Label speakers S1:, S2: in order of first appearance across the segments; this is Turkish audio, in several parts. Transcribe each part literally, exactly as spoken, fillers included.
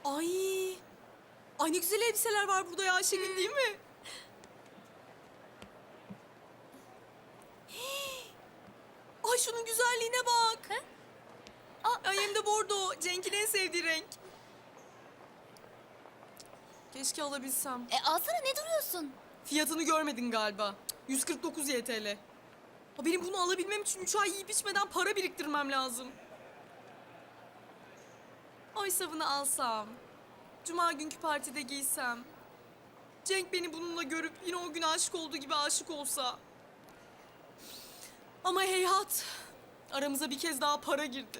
S1: Ay. Ay ne güzel elbiseler var burada ya Ayşegül, değil mi? Ay şunun güzelliğine bak.
S2: Aa.
S1: Ay hem de bordo. Cenk'in en sevdiği renk. Keşke alabilsem.
S2: E alsana, ne duruyorsun?
S1: Fiyatını görmedin galiba. yüz kırk dokuz Y T L. Ha, benim bunu alabilmem için üç ay yiyip içmeden para biriktirmem lazım. Oysa bunu alsam, cuma günkü partide giysem, Cenk beni bununla görüp yine o gün aşık olduğu gibi aşık olsa. Ama heyhat, aramıza bir kez daha para girdi.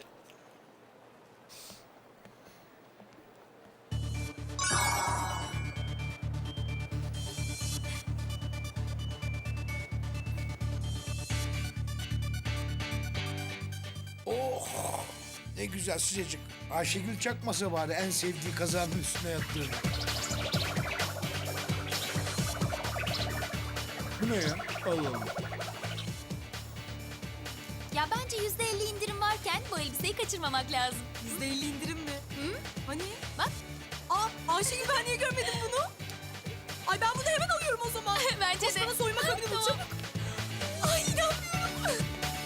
S3: Oh! Ne güzel sıcacık. Ayşegül çakmasa bari en sevdiği kazanın üstüne yattığını. Bu ne ya? Allah Allah.
S2: Ya bence yüzde elli indirim varken bu elbiseyi kaçırmamak lazım.
S1: Yüzde elli indirim mi?
S2: Hı?
S1: Hani?
S2: Bak.
S1: Aa Ayşegül, ben niye görmedim bunu? Ay ben bunu hemen alıyorum o zaman.
S2: Bence
S1: Koş
S2: de.
S1: bana soyma kabini bul,
S2: Tamam.
S1: çabuk. Ay inanmıyorum.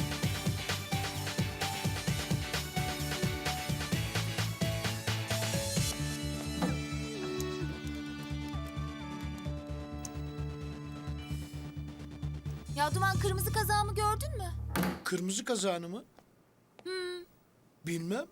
S2: Ya Duman, kırmızı kazağımı gördün mü?
S3: Kırmızı kazanı mı? Bilmem.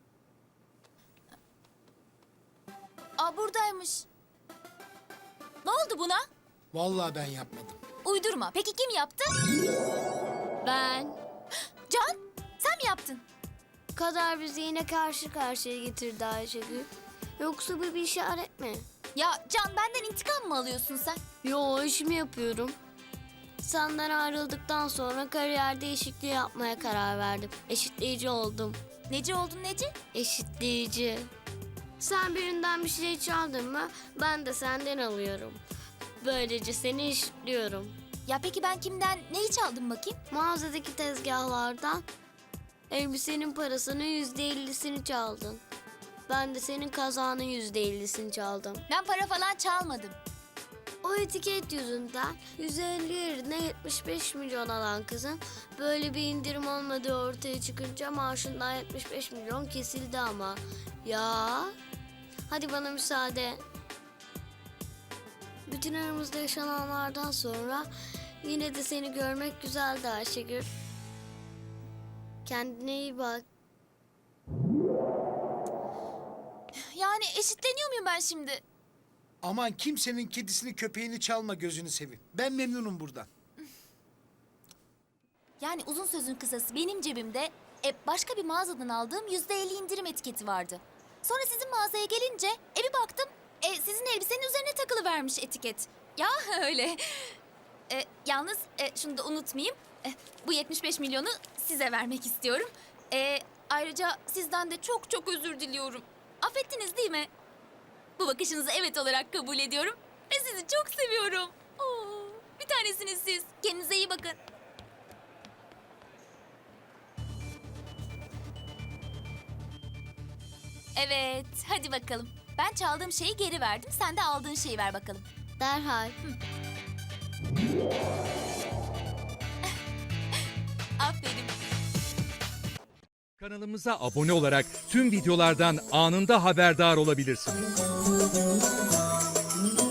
S2: Aa, buradaymış. Ne oldu buna?
S3: Vallahi ben yapmadım.
S2: Uydurma. Peki kim yaptı?
S4: Ben.
S2: Can, sen mi yaptın?
S4: Kader bizi yine karşı karşıya getirdi Ayşegül. Yoksa bu bir işaret mi?
S2: Ya Can, benden intikam mı alıyorsun sen?
S4: Yo, işimi yapıyorum. Senden ayrıldıktan sonra kariyer değişikliği yapmaya karar verdim. Eşitleyici oldum.
S2: Neci oldun Neci?
S4: Eşitleyici. Sen birinden bir şey çaldın mı ben de senden alıyorum. Böylece seni eşitliyorum.
S2: Ya peki ben kimden neyi çaldım bakayım?
S4: Mağazadaki tezgahlardan elbisenin parasının yüzde ellisini çaldın. Ben de senin kazağının yüzde ellisini çaldım.
S2: Ben para falan çalmadım.
S4: O etiket yüzünden yüz elli yerine yetmiş beş milyon alan kızın böyle bir indirim olmadığı ortaya çıkınca maaşından yetmiş beş milyon kesildi ama. Ya hadi bana müsaade. Bütün aramızda yaşananlardan sonra yine de seni görmek güzeldi Ayşegül. Kendine iyi bak.
S2: Yani eşitleniyor muyum ben şimdi?
S3: Aman kimsenin kedisini köpeğini çalma, gözünü seveyim. Ben memnunum buradan.
S2: Yani uzun sözün kısası, benim cebimde e, başka bir mağazadan aldığım yüzde elli indirim etiketi vardı. Sonra sizin mağazaya gelince e, bir baktım e, sizin elbisenin üzerine takılıvermiş etiket. Ya öyle. E, yalnız e, şunu da unutmayayım. E, bu yetmiş beş milyonu size vermek istiyorum. E, ayrıca sizden de çok çok özür diliyorum. Affettiniz değil mi? Bu bakışınızı evet olarak kabul ediyorum ve sizi çok seviyorum. Oo, bir tanesiniz siz. Kendinize iyi bakın. Evet, hadi bakalım. Ben çaldığım şeyi geri verdim. Sen de aldığın şeyi ver bakalım.
S4: Derhal.
S2: Aferin.
S5: Kanalımıza abone olarak tüm videolardan anında haberdar olabilirsiniz.